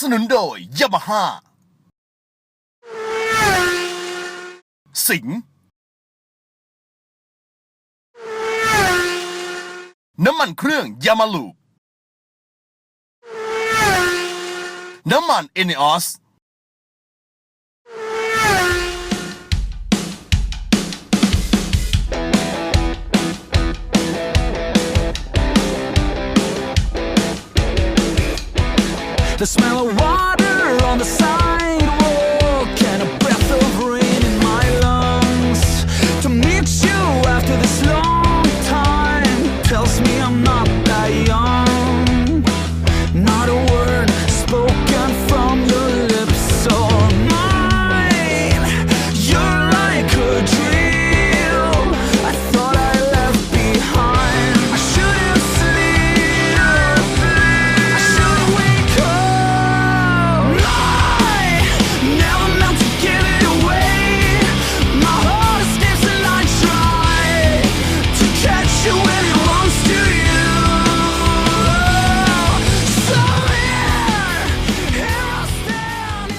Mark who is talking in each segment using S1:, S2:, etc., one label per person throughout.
S1: นุนโดยยามาฮ่าสิงห์น้ำมันเครื่องยามาลูน้ำมันเอเนออส
S2: The smell of water on the sidewalk and a breath of rain in my lungs. To meet you after this long time tells me I'm not that young. Not a word spoken from your lips or mine. You're like a dream I thought I left behind. I shouldn't sleep, I should wake up. I never meant to give it away. My heart escapes and I try to catch you when it wants to you. So here I stand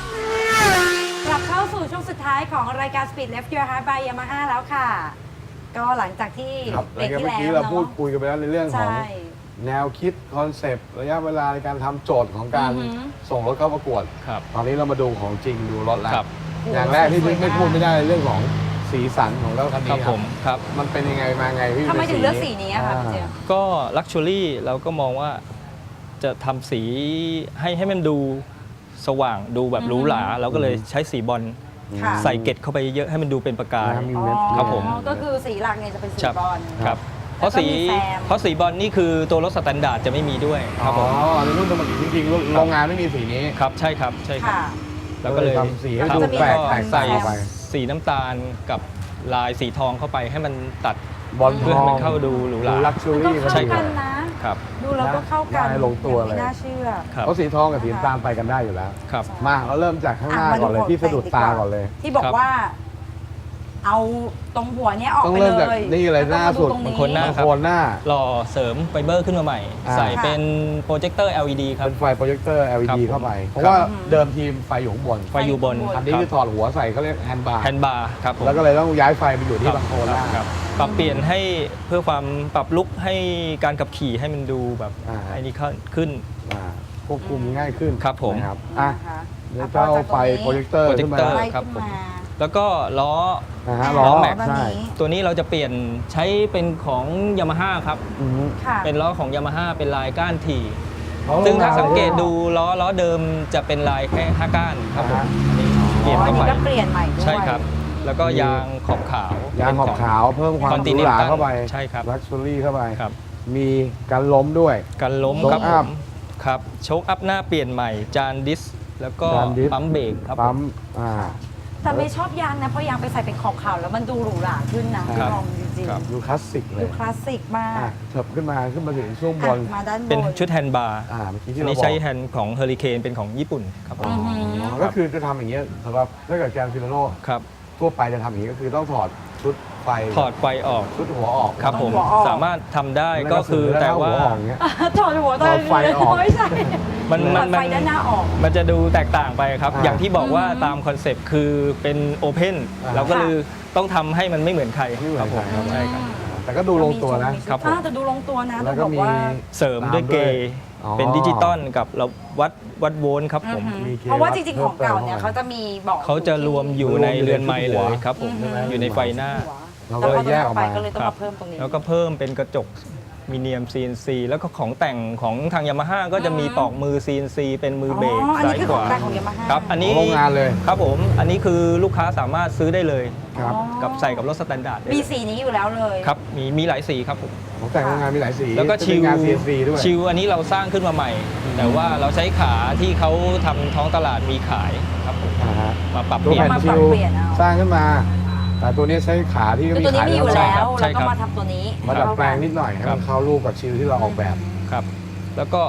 S2: inside.
S3: กลับเข้าสู่ช่วงสุดท้ายของรายการ Speed Left Your Heart by Yamaha แล้วค่ะ ก็หลังจากที่
S4: ครับ
S3: เบรก
S4: เมื่
S3: ที่
S4: อ
S3: แล้ว
S4: กี้เราพูด
S3: เนาะ
S4: คุยกันไปแล้วในเรื่องของ
S3: ใช่
S4: แนวคิดคอนเซปต์ระยะเวลาในการทำโจทย์ของการ
S3: อือหือ
S4: ส่งรถเข้าประกวด
S5: ครับ
S4: ตอนนี้เรามาดูของจริงดูรถแล้ว
S5: ครับ
S4: อย่างแรกที่ไม่พูดไม่ได้เรื่องของสีสันของรถคัน
S5: ค
S4: นี้
S5: รับผมครับ
S4: มันเป็นยังไงมาไงพี่
S3: ทำไมถึงเลือกสี
S4: นี้
S3: นี้อะคะพี่เจมส์
S5: ก็ลักชัวรี่เราก็มองว่าจะทำสีให้มันดูสว่างดูแบบหรูหราเราก็เลยใช้สีบอล
S3: ค่ะ
S5: ใส่เกล็ดเข้าไปเยอะให้มันดูเป็นประกาย
S4: มี
S3: อ๋อ
S4: เม็ด
S5: ครับผม
S3: ก็คือสีหลักเนี่ยจะเป็นสี
S5: ครับ
S3: บอล
S5: ครับเพราะสี
S3: แล้วก็มีแซม
S5: เพราะสีบอลนี่คือตัวรถสแตนดาร์ดจะไม่มีด้วยครับผม
S4: อ๋อในรุ่นจริงๆโรงงานไม่มีสีนี้
S5: ครับใช่ครับใช่ครับ
S3: ค่ะ
S5: แล้วก็เลย
S4: ทำสีให้
S5: ครับ
S4: ดูแปลก
S5: ล้ว
S4: แตก
S5: ใส่
S4: ต่างออกไป
S5: สีน้ำตาลกับลายสีทองเข้าไปให้มันตัด
S4: บอล
S5: เพื่อให้มันเข้าดูหรูหรา
S4: ลักชัว
S3: มันก็
S4: รี่
S3: เข้า
S5: ใช่ครั
S3: กับ นนะ
S5: ครับ
S3: ดูแล้วก็เข้ากัน
S4: ได้ลงตัวเลย
S3: ไม่น่าเชื่อ
S5: ครับ
S4: เพราะสีทองกับสีน้ำตาลไปกันได้อยู่แล้ว
S5: ครับ
S4: มาเราเริ่มจากข้างหน้าก่อนเลยที่สะดุดตาก่อนเลย
S3: ที่บอก
S5: ครับ
S3: ว่า เอาตรงหัวเนี้ยออก
S4: ต้อง
S3: ไป
S4: เริ่ม
S3: เล
S4: จาก
S3: ย
S4: นี่เลย
S3: แวก็
S4: หน้าสุด
S3: มตรง
S5: บางคนหน้า
S4: บางโคนหน้า
S5: หล่อเสริมไฟเบอร์ขึ้นมาใหม่
S4: อ่า
S5: ใส่เป็นโปรเจคเตอร์ LED ครับ
S4: เป็นไฟโปรเจคเตอร์
S5: ครั
S4: LED
S5: บ
S4: เข้าไป เพราะ
S5: ครับ
S4: ว่าเดิมทีมไฟอยู่ข้างบน
S5: ไฟอยู่บน
S4: อันนี้คือถอดหัวใส่เขาเรียกแฮนด์บาร์
S5: แฮนด์บาร์ครับผม
S4: แล้วก็เลยต้องย้ายไฟไปอยู่ที่
S5: ครับ
S4: บางโคนหน้า
S5: ครับปรับเปลี่ยนให้เพื่อความปรับลุกให้การขับขี่ให้มันดูแบบ
S4: อ่า
S5: ไอ้นี่ขึ้น
S4: ควบคุมง่ายขึ้น
S5: ครับผม
S4: นะครับ
S3: อ่ะ
S4: อ่ะเดี๋ยวเจ้าไฟโปรเจคเตอร์ขึ้นมา
S5: โปรเจคเตอร์
S3: ไล่
S5: ครับ
S3: ขึ้น
S5: ผม
S3: มา
S5: แล้วก็ล้อ
S4: นะฮะ
S3: ล้
S4: ล้อ
S3: อ
S4: แม็ก
S3: แบบ
S4: ใช่
S3: นี้
S5: ตัวนี้เราจะเปลี่ยนใช้เป็นของยามาฮ่าครับ
S4: อือฮึ
S3: ค่ะ
S5: เป็นล้อของยามาฮ่าเป็นลายก้านถี่
S4: อ๋อ
S5: ซึ่งถ้าสังเกตดูล้อเดิมจะเป็นลายแค่5ก้านครับผม
S4: อ่า
S5: อันนี้เปลี่ยน
S3: อ๋ออัน
S5: เข้า
S3: นี้
S5: ไป
S3: ก็เปลี่ยนใหม่ด้วย
S5: ใช่ครับ แล้วก็ยางขอบขาว
S4: ยางขอบขาวเพิ่มความหรูหราเข้าไป
S5: ใช่ครับ
S4: ลักชัวรี่เข้าไป
S5: ครับ
S4: มีการล้มด้วย
S5: กันล้ม
S4: โชค
S5: ครับผ
S4: อัพ
S5: มครับโชคอัพหน้าเปลี่ยนใหม่จานดิส แล้วก็
S4: จานดิส
S5: ปั๊มเบรกครับ
S4: ปั๊ม
S3: แต่ไม่ชอบยางนะ เพราะยางไปใส่เป็นขอบขาวแล้วมันดูหรูหราขึ้นนะครับ ลองจริง
S5: ครับ
S4: ดูคลาสสิกเล
S3: ๆดู
S4: ย
S3: คลาสสิกมาก
S4: อ่ะเถิบขึ้นมาถึงช่วงบน
S3: อ่ะมาด้านบน
S5: เป็นชุดแฮนด์บาร์
S4: เมื่อกี้ที่
S5: อัน
S4: เรา
S5: นี้
S4: บอก
S5: ใช้แฮนด์ของเฮอริเคนเป็นของญี่ปุ่นครับผม
S4: ก็คือจะทำอย่างเงี้ยสำหรับถ้าเกิดแกรนด์ฟิลาโน
S5: ครับ
S4: ทั่วไปจะทำอย่างนี้ก็คือต้องถอดชุดไฟ
S5: ถอดไฟออก
S4: ชุดหัวออก
S5: ครับผม
S3: หัวออก
S5: สามารถทำได้ก็คือแต่ว่า
S4: หัวออกอย่างเงี้ย
S3: ถอดหัว
S4: ถอดไฟออก
S3: ไม่ใช่
S5: มัน
S3: ถอดไฟด้านหน้าออก
S5: มันจะดูแตกต่างไปครับ
S4: อ่า
S5: อย่างที่บอกว่าตามคอนเซปต์คือเป็นโอเพน
S4: อ่า
S5: เราก็เลยต้องทำให้มันไม่เหมือนใคร
S4: ไม่เหมือน
S5: ครับผม
S4: ใครครับ
S5: ใช่ครับ
S4: แต่ก็ดูลงตัวนะ
S5: ครับผม
S3: แต่ดูลงตัวนะ
S4: แล้
S3: ต้อ
S4: ว
S3: ง
S4: ก็
S3: บอก
S4: มี
S3: ว่า
S5: เสริมด้วยเกย์
S4: อ๋อ
S5: เป็นดิจิตอลกับเราวัดโวลต์ครับผม
S4: มีเก
S3: เพราะว่าจริงๆของเก่าเนี่ย
S4: เพิ่
S3: เขา
S4: มเติม
S3: จะมีบอก
S5: เขาจะรวมอยู่ในเรือนไม้
S4: รวมอยู่ใน
S5: เลย
S4: หัว
S5: ครับผม
S3: อือฮึ
S5: อยู่ในไฟหน้า
S4: เราก็เลยแยกออกมา
S3: ก็เลยต้อง
S5: ครั
S3: มาเพิ่มตรงนี้
S5: แล้วก็เพิ่มเป็นกระจกมีเนียม CNC แล้วก็ของแต่งของทางยามาฮ่าก็จะมีปอกมือ CNC เป็นมือเบรก
S3: อ๋ออันนี้
S5: ซ้าย
S3: คือ
S5: ข
S3: ของ
S5: วา
S3: แต่งของ Yamaha
S5: ครับอันนี้
S4: ของโรงงานเลย
S5: ครับผมอันนี้คือลูกค้าสามารถซื้อได้เลย
S4: ครับ
S5: กับใส่กับรถสแตนดาร์ดได้
S3: มี
S5: เลย
S3: สีนี้อยู่แล้วเลย
S5: ครับมีหลายสีครับผม
S4: ของแต่งโรงงานมีหลายสี
S5: แล้วก็
S4: จะ
S5: ชิ
S4: มี
S5: ว
S4: งาน CNC ด้วย
S5: ชิวอันนี้เราสร้างขึ้นมาใหม่ แต่ว่าเราใช้ขาที่เขาทำท้องตลาดมีขายครับผม
S4: อ่าฮะ
S5: มาปรับ
S4: ตั
S5: เป
S4: ว
S5: ลี่ยน
S4: แผ่น
S3: มา
S4: ชิ
S3: ปรับ
S4: ว
S3: เปลี่ยนเอา
S4: สร้างขึ้นมา แต่ตัวนี้ใช้ขาที่ก็
S3: คือ
S4: มี
S3: ตัวนี้
S4: ขาย
S3: มีอยู่
S4: ใช่
S3: แล้ว
S4: ครับ
S5: ใช่
S3: แล้ว
S5: ครั
S3: ก็
S5: บ
S3: มาทำตัวนี้
S4: มาดัดแปลงนิดหน่อยให้
S5: ครั
S4: มั
S5: บ
S4: นเข้ารูปกับชิวที่เราออกแบบ
S5: ครับ แล้วก็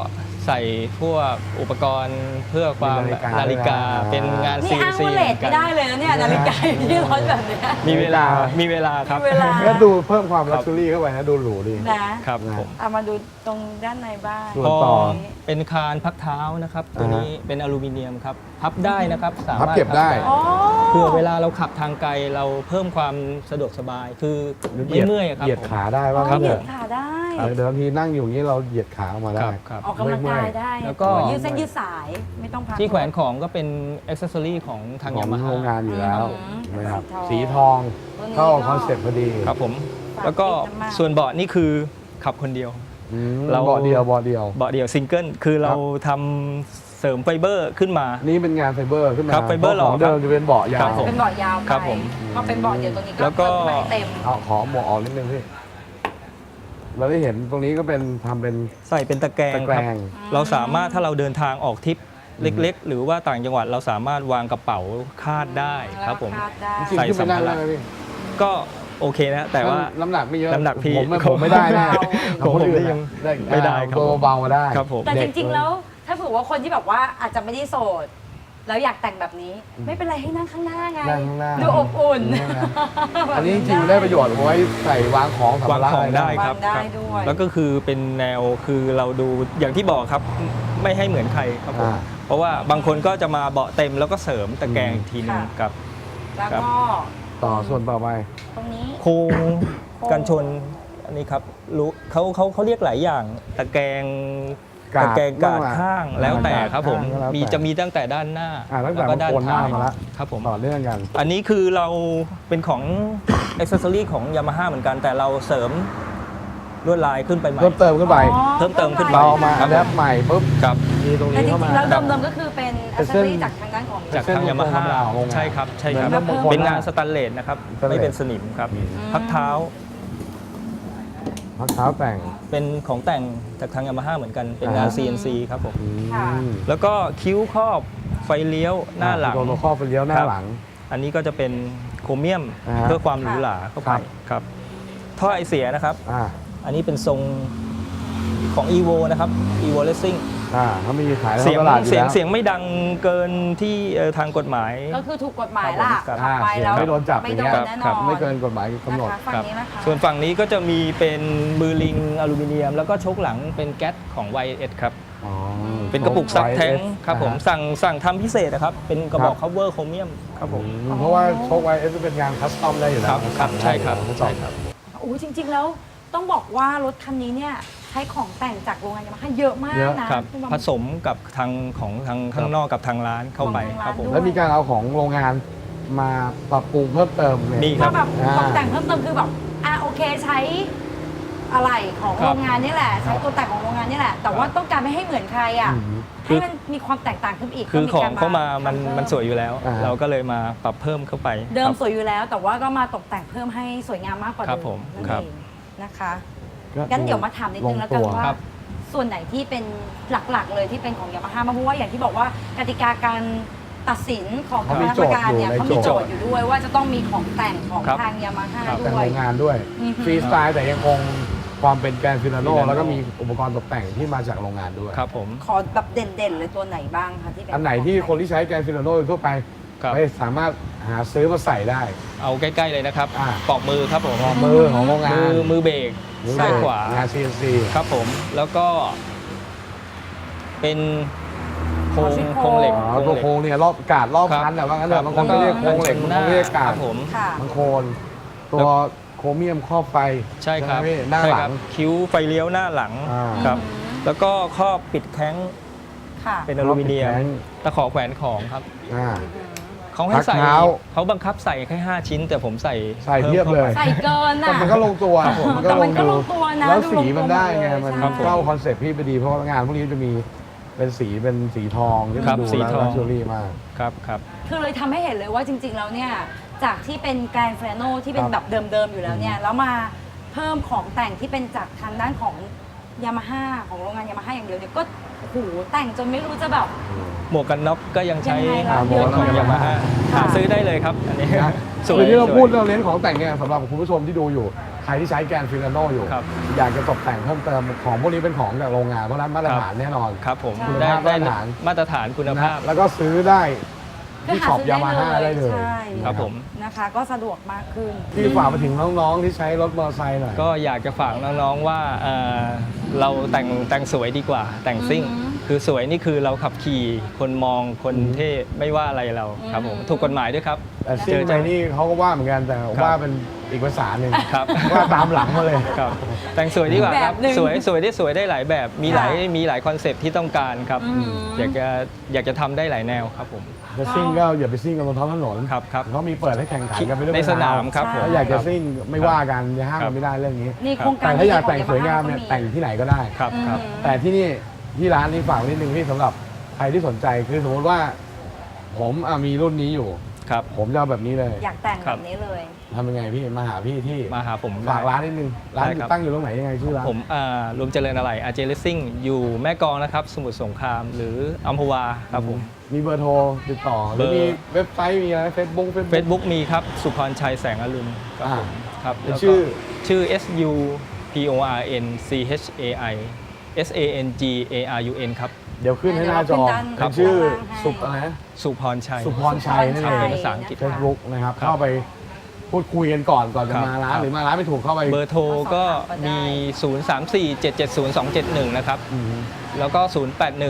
S5: ใส่พวกอุปกรณ์เพื่อความ
S4: มี
S5: นาฬิกา เป็นงาน
S3: นี่
S5: CNC
S3: อ้างว่าเลทไม่ได้เลยนะเนี่ยนาฬิกาอยู่ที่รถแบบเนี้ย
S5: มีเวลาครับ
S3: มีเวลา
S4: ก็ดูเพิ่มความลักชัวรี่เข้าไปนะดูหรูดี
S3: นะครับ
S5: ผม
S3: เอามาดูตรงด้านในบ้าง
S4: ส่วนต่อ
S5: เป็นคานพักเท้านะครับ ตัวนี้เป็นอลูมิเนียมครับ พับได้นะครับ สา
S4: พับ
S5: มารถ
S4: เก็บได้
S3: อ๋อ
S5: เพื่อเวลาเราขับทางไกลเราเพิ่มความสะดวกสบาย คือไม่เมื่อยอะครับ
S4: เหยียด
S5: ผม
S4: ขาได้ว่า
S3: อ๋
S4: งั้
S3: อน เห
S4: เถ
S3: ยียด
S4: อะ
S3: ขาได้
S4: เดี๋ยวบางทีนั่งอยู่อย่างนี้เราเหยียดขาออกมา
S5: ค
S4: ได้
S5: รับครับ
S3: ออกกำลังกายได้
S5: แล้วก็
S3: ยืดเส้นยืดสายไม่ต้องพัก
S5: ที่แขวนของก็เป็นอ็อกเซสซอรี่ของทาง
S4: ขอย
S5: าง มาฮ่า
S4: โรงงานอยู่แล้ว
S3: อืม
S4: นะครับ
S3: สี
S4: สี
S3: ท
S4: ท
S3: อ
S4: อง งเข้าคอนเซ็ปต์พอดี
S5: ครับผม
S3: ฝาก
S5: แล้วก็
S3: ติดน้ำมัน
S5: ส่วนเบาะนี่คือขับคนเดียว
S4: อืม
S5: เรา
S4: เบาะเดียว
S5: เบาะเดียวซิงเกิลคือเราทำเสริมไฟเบอร์ขึ้นมา
S4: นี่เป็นงานไฟเบอร์ขึ้นมา
S5: ครับไฟเบอร์
S4: พาะของ
S5: หล่อครับ
S4: เดิมจะเป็นเบาะยา
S5: ครั
S4: ว
S5: บผม
S3: เป็นเบาะยาวไป
S5: ครับผม
S3: พอเป็นเบาะเดียวตรงนี้
S5: แล้วก็
S3: เปิดให้เต็ม
S4: เอาขอหมวกออกนิดนึงพี่เราได้เห็นตรงนี้ก็เป็นทำเป็น
S5: ใส่เป็นตะแกรง
S4: ตะแก
S5: ค
S4: ร
S5: รับ
S4: ง
S5: เราสามารถถ้าเราเดินทางออกทริปเล็ก ๆ หรือว่าต่างจังหวัดเราสามารถวางกระเป๋าคาดได้ครับผม
S3: คาดได้
S4: จริง
S5: ใส่
S4: ๆขึ้นไปนั่ง
S5: สัมภาระ
S4: ได้ไหมพี่
S5: ก็โอเคนะ แต่ว่า
S4: น้ำหนักไม่เยอะ
S5: น้ำหนักพี่
S4: ผมไม่ได้นะ
S5: ผม
S4: คนอื่น
S5: ยัง
S4: ได้
S5: ไม่ได้ครับ
S4: ตัวเบาๆได้
S5: ครับผม
S3: แต่จ
S4: เด็ก
S3: ริงๆแล้วถ้าเผื่อว่าคนที่แบบว่าอาจจะไม่ได้โสด แล้วอยากแต่งแบบนี้ ไม่เป็นไรให้นั่งข้างหน้าไง
S4: นั่งข้างหน้า
S3: ดูอบอุ่น
S4: อันนี้จริงๆได้ประโยชน์เอาไว้ใส่วางของสัม
S5: วาง
S4: ภาระ
S5: ของได้
S4: อะ
S5: ครับ
S3: วางได้
S5: ครับ
S3: ด้วย
S5: แล้วก็คือเป็นแนวคือเราดูอย่างที่บอกครับไม่ให้เหมือนใครครับผมเพราะว่าบางคนก็จะมาเบาะเต็มแล้วก็เสริมตะแกรงอีกทีนึงกับ
S3: แล้ว
S5: ครับ
S3: ก็
S4: ต่อส่วนต่อไป
S3: ตรงนี้
S5: โครงกันชนอันนี้ครับรู้เขาเรียกหลายอย่างตะแกรง
S4: กาด
S5: ตะแกรงกาด
S4: บ้างล่ะ
S5: ข้างแล้วแต่ครับผม
S4: ข้างก็แล้วแต่
S5: จะมีตั้งแต่ด้านหน้า
S4: ตั้งแต่
S5: แล้วก็ด้าน
S4: โคนหน้า
S5: ท้าย
S4: มาละ
S5: ครับผม
S4: ต่อเนื่องกัน
S5: อันนี้คือเราเป็นของอ็อกเซสซอรี่ของยามาฮ่าเหมือนกัน แต่เราเสริมลวดลายขึ้นไปใหม่
S4: เพิ่มเติมขึ้นไป
S3: อ๋อ
S5: เพิ่มเติมขึ้นไป
S4: เรามา
S5: ครั
S4: อั
S5: บ
S4: ดแอปใหม่ปุ๊บ
S5: ครับ
S4: มีตรง
S3: แต่
S4: นี้
S3: จ
S4: เข้ามา
S3: ริงๆแล้วเดิมๆก็คือเป็น
S4: เป็
S3: อั
S4: น
S3: ซ
S4: เส้น
S3: เซอรี่จากทางด้านของ
S5: จากทางยามาฮ่า
S4: ธรรมดาของโรงงาน
S5: ใช่ครับใช่ครับ
S4: เหมือนบางคน
S5: เป็นงานสแตนเลสนะครับ
S4: สแตนเลส
S5: ไม่เป็นสนิมครับ พักเท้า
S4: พักเท้าแต่ง
S5: เป็นของแต่งจากทางยามาฮ่าเหมือนกัน เป็นงาน CNC ครับผม
S3: ค่ะ
S5: แล้วก็คิ้วครอบไฟเลี้ยวหน้าหลัง
S4: ตัวข้อไฟเลี้ยวหน้า
S5: ครับ
S4: หลัง
S5: อันนี้ก็จะเป็นโครเมียม
S4: อ่าฮะ
S5: เพื่อความหรูหราเข้าไป
S4: ครับ
S5: ครับท่อไอเสียนะครับ
S4: อ่า
S5: อันนี้เป็นทรงของ EVO นะครับ EVO Racing
S4: เขามีขายใน
S5: เสียง
S4: ตลาดอยู่แล้ว
S5: เสียงไม่ดังเกินที่ทางกฎหมาย
S3: ก็คือถูกกฎหมายล่ะ
S5: ครับ
S3: ขับไปแล้ว
S4: ไม่โดนจับ
S3: ไม่
S4: อย่าง
S3: โด
S4: เงี้
S3: น
S4: ย
S3: แน่น
S5: ครั
S3: อบ น
S4: ไม่เกินกฎหมายกำหนด
S3: นะคะฝั่งนี้นะคะ
S5: ส่วนฝั่งนี้ก็จะมีเป็นมือลิงอลูมิเนียม แล้วก็โชคหลังเป็นแก๊สของ YS ครับ
S4: อ๋อ
S5: เป็นกระปุกซับแท้ง
S4: YS
S5: ครับผม
S4: อ่าฮะ
S5: สั่งทำพิเศษนะครับ เป็นกระบอก
S4: ครับ
S5: cover โครเมียมครับผม
S4: เพราะว่าโชคไวเอสเป็นงานคัสตอมได้อยู่แล้
S5: คว รับครับใช่ครับ
S4: ทดสอ
S5: ใช่ครับ
S3: โอ้จริง ๆ แล้วต้องบอกว่ารถคันนี้เนี่ยใช้ของแต่งจากโรงงานยามาฮ่าเยอะมาก
S4: เยอะ
S3: นะครับ ณ
S5: ผสมกับทางของทางข้างนอกกับทางร้านเข้าไป
S3: ของทางร้าน
S5: ครับผม
S3: ด้วย
S4: แล้วมีการเอาของโรงงานมาปรับปรุงเพิ่มเติมเลย
S5: มีค
S3: ก็
S5: รับ
S3: แบบ
S4: อ่า
S3: ตกแต่งเพิ่มเติมคือแบบโอเคใช้อะไรของ
S5: ครับ
S3: โรงงานนี่แหละ ใช้ตัวแต่งของโรงงานนี่แหละ แต่ว่าต้องการไม่ให้เหมือนใครอ่ะ
S4: อืม
S3: ให้มันมีความแตกต่างขึ้นอีก
S5: คือ
S3: ก็
S5: ของเข้ามามัน
S3: ทำเพิ่
S5: มันสวยอยู่แล้ว
S4: อ่า
S5: เราก็เลยมาปรับเพิ่มเข้าไป
S3: เดิม
S5: ครับ
S3: สวยอยู่แล้ว แต่ว่าก็มาตกแต่งเพิ่มให้สวยงามมากกว่า
S5: ครั
S3: เดิ
S5: บ
S3: ม
S5: ผม
S3: นั่น
S5: ครับ
S3: เองนะคะงั้นเดี๋ยวมาถามนิดนึงแล้วกัน
S4: ลงตัว
S3: ว่า
S5: ครับ
S3: ส่วนไหนที่เป็นหลักๆเลยที่เป็นของยามาฮ่าเพราะว่าอย่างที่บอกว่ากติกาการตัดสินของคณะกรรมการเนี่ย
S4: เขา
S3: เขา
S4: มี
S3: มี
S4: โจ
S3: โจ
S4: ท
S3: ท
S4: ย์
S3: ย์อยู่ด้วยว่าจะต้องมีของแต่งของ
S5: ครับ
S3: ทางยามาฮ่า
S4: แต่ง
S3: ด้วย
S4: โรงงานด้วย
S3: อือฮึ
S4: ฟรีสไตล์แต่ยังคงความเป็นแกรนด์ฟิลาโน
S5: Filano
S4: แล้วก็มีอุปกรณ์ตกแต่งที่มาจากโรงงานด้วย
S5: ครับผม
S3: ขอแบบเด่นๆเลยตัวไหนบ้างคะที่เป็น
S4: อันไหนที่คนที่ใช้แกรนด์ฟิลาโนทั่วไป
S5: ครับ
S4: ไม่สามารถหาซื้อมาใส่ได้
S5: เอาใกล้ๆเลยนะครับ
S4: อ่า
S5: ปอกมือครับผม
S4: มือของโรงงาน
S5: มือเบรก
S4: มือ
S5: ซ้ายขวา
S4: งาน CNC
S5: ครับผม แล้วก็เป็นโครงเหล็ก
S4: อ๋อตัวโครงเนี่ยรอบกาดรอบ
S5: ครับ
S4: พันแต่ว่างั้นเถ
S5: ครั
S4: อะ
S5: บบ
S4: างคนก็เรียกโครงเหล็ก
S5: แล้ว
S4: บางคนเรียก
S5: ค
S4: กา
S5: รั
S4: ด
S5: บผม
S3: ค่ะ
S4: บางโคนตัวโครเมียมครอบไฟ
S5: ใช่ครับ
S4: ไหมพี่หน้า
S5: ใช่
S4: ห
S5: ค
S4: ลั
S5: รับ
S4: ง
S5: คิ้วไฟเลี้ยวหน้าหลัง
S4: อ่า
S5: ครับ แล้วก็ครอบปิดแข้ง
S3: ค่ะ
S5: เป็นอลูมิเนียม
S4: ครอบปิดแข้ง
S5: ตะขอแขวนของครับ
S4: อ่า
S5: เขาให้ใส่
S4: พักเท้า
S5: เขาบังคับใส่แค่5ชิ้น แต่ผมใส่
S4: ใส่เพียบเลย
S3: ใส่เกิน
S4: แต่
S3: อ่ะ
S4: มันก็ลงตัว
S3: แต่มันก็ลงตัวนะ
S4: แล้ว
S3: ดู
S4: สี
S3: ลงตัว
S4: มันได้ไง
S3: หมดเลย
S4: มัน
S3: ใช่
S4: เข้าคอนเซ็ปต์พี่ไปดีเพราะว่างานพวกนี้จะมีเป็นสีทองที่
S5: ครั
S4: มัน
S5: บ
S4: ดู
S5: สี
S4: แล้ว
S5: ทอง
S4: ลักชัวรี่มาก
S5: ครับครับ
S3: คือเลยทำให้เห็นเลยว่าจริง ๆ แล้วเนี่ยจากที่เป็นแกรนด์ฟิลาโนที่เป็น
S4: ครับ
S3: แบบเดิมๆอยู่แล้วเนี่ยแล้วมาเพิ่มของแต่งที่เป็นจากทางด้านของยามาฮ่าของโรงงานยามาฮ่าอย่างเดียวเนี่ยก็โอ้โหแต่งจนไม่รู้จะแบบ
S5: หมวกกันน็อกก็ยังใช้
S3: ยังไงล่ะ
S5: หมวกของ
S4: เยอะมาก
S5: ยามาฮ่า
S3: ค่ะ
S5: หาซื้อได้เลยครับ อันนี้
S4: นะ
S5: สวย
S4: คือที่เรา
S5: สวย
S4: พูดเรื่องเน้นของแต่งเนี่ยสำหรับคุณผู้ชมที่ดูอยู่ใครที่ใช้แกนฟิลาโนอยู่
S5: ครับ
S4: อยากจะตกแต่งเพิ่มเติมของพวกนี้เป็นของจากโรงงานเพราะฉะนั้นมาตรฐานแน่นอน
S5: ครับผม
S3: ใช่
S5: ได้
S4: มาตรฐาน
S5: มาตรฐานคุณ
S4: นะ
S5: ภาพ
S4: แล้วก็ซื้อได้
S3: ก็
S4: ที่
S3: หา
S4: ช็อป
S3: ซื้
S4: ยามาฮ่าได้เลย
S3: ใช่
S5: ครับผม
S3: นะคะ ก็สะดวกมากขึ้น
S4: ที่ฝากไปถึงน้องๆที่ใช้รถมอเตอร์ไซค์หน่อย
S5: ก็อยากจะฝากน้องๆว่าเราแต่งสวยดีกว่าแต่งซิ่ง
S3: อือหือ
S5: คือสวยนี่คือเราขับขี่คนมองคนเท่ไม่ว่าอะไรเราครับผม
S3: อืม
S5: ถูกกฎหมายด้วยครับ
S4: แต่ซิ่งไปนี่เขาก็ว่าเหมือนกันแต่ว่าเป็นอีกภาษาหนึ่ง
S5: ครับ
S4: ว่าตามหลังมาเลย
S5: ครับแต่งสวยดีกว่าครับ
S3: แบบหนึ่ง
S5: สวยได้หลายแบบมีหลาย
S3: ค่ะ
S5: มีหลายคอนเซปต์ที่ต้องการครับ
S3: อืม
S5: อยากจะทำได้หลายแนวครับผม
S4: จะซิ่งก็อย่าไปซิ่งกันบนท้องถนน
S5: ครับครับ
S4: เขามีเปิดให้แข่งขันกันไปด้วย
S5: ในสนามครับผม
S4: ถ้าอยากจะซิ่งไม่ว่ากันจะห้าม
S5: ครั
S4: กับ นไม่ได้เรื่องนี้
S3: นี่โครงการ
S4: แต่ถ้าอยากแต่ง
S3: ดีๆข
S4: สวยงามเนี่ย
S3: Yamaha
S4: แต่งที่ไหนก็ได้
S5: ครับครับ
S3: อืม
S4: แต่ที่นี่ที่ร้านนี้ฝากไว้นิดนึงที่สำหรับใครที่สนใจคือสมมติว่า ผมมีรุ่นนี้อยู่
S5: ครับ
S4: ผมจะเอาแบบนี้เลย
S3: อยากแต่ง
S5: ค
S3: แบ
S5: รับ
S3: บนี้เลย
S4: ทำยังไงพี่มาหาพี่ที่
S5: มาหาผม
S4: ฝากร้านนิดนึงร้าน
S5: ได้ครับ
S4: ตั้งอยู่ตรงไหนยังไงชื่อร้าน
S5: ผมรวมเจริญอะไรอาเจเลสซิ่งอยู่แม่กลองนะครับ สมุทรสงครามหรืออัมพวาครับผม
S4: มีเบอร์โทรติดต่อหรือ
S5: เบอร์
S4: มีเว็บไซต์มีอะไรเฟซบุ๊ก
S5: Facebook มีครับ สุพรชัยแสงอรุณครับผมครับ
S4: เป็น
S5: แล้วก็
S4: ชื่อ
S5: SUPORNCHAI SANGARUN ครับ
S4: เดี๋ยวขึ้นให้หน้าจอ
S3: เดี๋ยวเราขึ้นด้าน
S4: เป็นชื่อ
S3: ข้างล่างให้
S4: สุอะไรนะ
S5: สุพรชัย
S4: สุพรชัยนั่น
S5: ครั
S4: เอบ ง
S5: เป็นภาษาอังกฤษ
S4: เฟซบุ๊กนะครับ
S5: ครับ
S4: เข้าไปพูดคุยกันก่อนจะ
S5: ครับ
S4: มาร้าน
S5: ครับ
S4: หรือมาร้านไม่ถูกเข้าไป
S5: เบอร์โทรก็มี 034-770-271 นะครับ
S4: อืม
S5: แล้วก็ 0818605589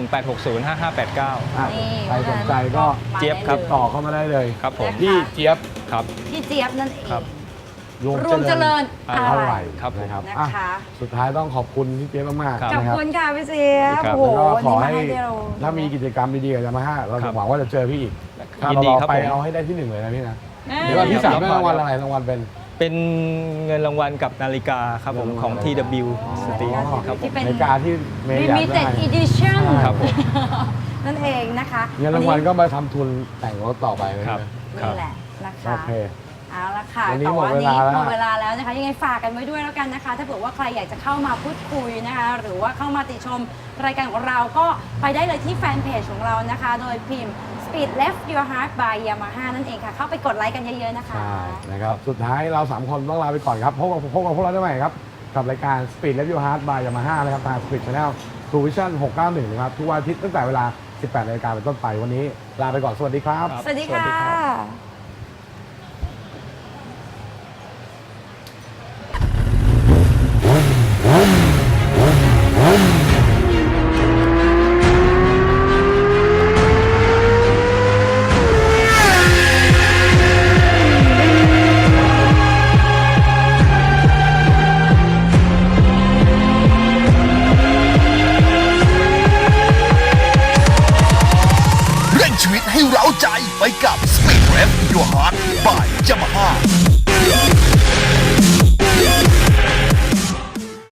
S4: อ่ะ
S3: นี่
S4: ใครสนใจก็
S3: มา
S5: เจี๊ยบ
S3: ได้
S5: ครับ
S3: ล
S4: ต่อเข้ามาได้เลย
S5: ครับผม
S4: พี่เจี๊ยบ
S5: ครับ
S3: พี่เจี๊ยบนั่นเอง
S5: ครับ
S4: รวม
S3: รวมเจริญ
S5: อะ
S3: อะไร
S4: ไร
S5: ครับผม
S4: นะครับ
S3: นะ
S4: อ่ะ
S3: คะ
S4: สุดท้ายต้องขอบคุณพี่เจี๊ยบมาก
S5: ครับ
S4: ๆ
S3: ขอบ
S4: นะครับ
S3: คุณค่ะพี่เจี๊ยบ
S5: ครับ
S3: โอ้โห
S4: แล้วก็
S3: วัน
S4: ขอ
S3: นี้มา
S4: ให้
S3: ให้เรา
S4: ถ้ามีกิจกรรมดีๆกับยามาฮ่าเรา
S5: ครั
S4: จะ
S5: บ
S4: หวังว่าจะเจอพี่อีกถ้า
S5: ยิน
S4: เรา
S5: ดี
S4: รอ
S5: ครับ
S4: ไป
S5: ผม
S4: เอาให้ได้ที่หนึ่งเลยนะพี่นะ
S3: เอ้ย
S4: เดี๋ยวก่อนที่สาม
S5: ครับ
S4: ได้รางวัลอะไรรางวัลเป็น
S5: เป็นเงินรางวัลกับนาฬิกาครับผมของ TW Steel ครับผม
S3: ที่เป็น
S4: ในการที่เมย์อยากได้
S3: limited edition
S5: ครับผม
S3: นั่นเองนะคะ
S4: เงินรางวัลก็มาทำทุนแต่งรถต่อไปเลย
S5: ครับ
S3: นี่แหละนะคะ
S4: โอเค
S3: เอาละค่ะ
S4: วันนี้
S3: แต่
S4: หมด
S3: ว่า
S4: เวลาแล้ว
S3: หมดเวลาแล้วนะคะ ยังไงฝากกันไว้ด้วยแล้วกันนะคะ ถ้าเผื่อว่าใครอยากจะเข้ามาพูดคุยนะคะ หรือว่าเข้ามาติชมรายการของเราก็ไปได้เลยที่แฟนเพจของเรานะคะ โดยพิมพ์ Speed Left Your Heart by Yamaha นั่นเองค่ะ เข้าไปกดไลค์กันเยอะๆนะคะ
S4: ใช่นะครับสุดท้ายเรา 3 คนต้องลาไปก่อนครับพบกับพวกเราได้ใหม่ครับ กับรายการ Speed Review Hard by Yamaha นะครับทาง Speed Channel True Vision 691 นะครับ ทุกวันอาทิตย์ตั้งแต่เวลา 18 นาฬิกาเป็นต้นไปวันนี้ลาไปก่อนสวัสดีครับ
S5: ครับ
S3: สวัสดี
S5: สวัสดี
S3: ค่
S5: ครับ
S3: ะ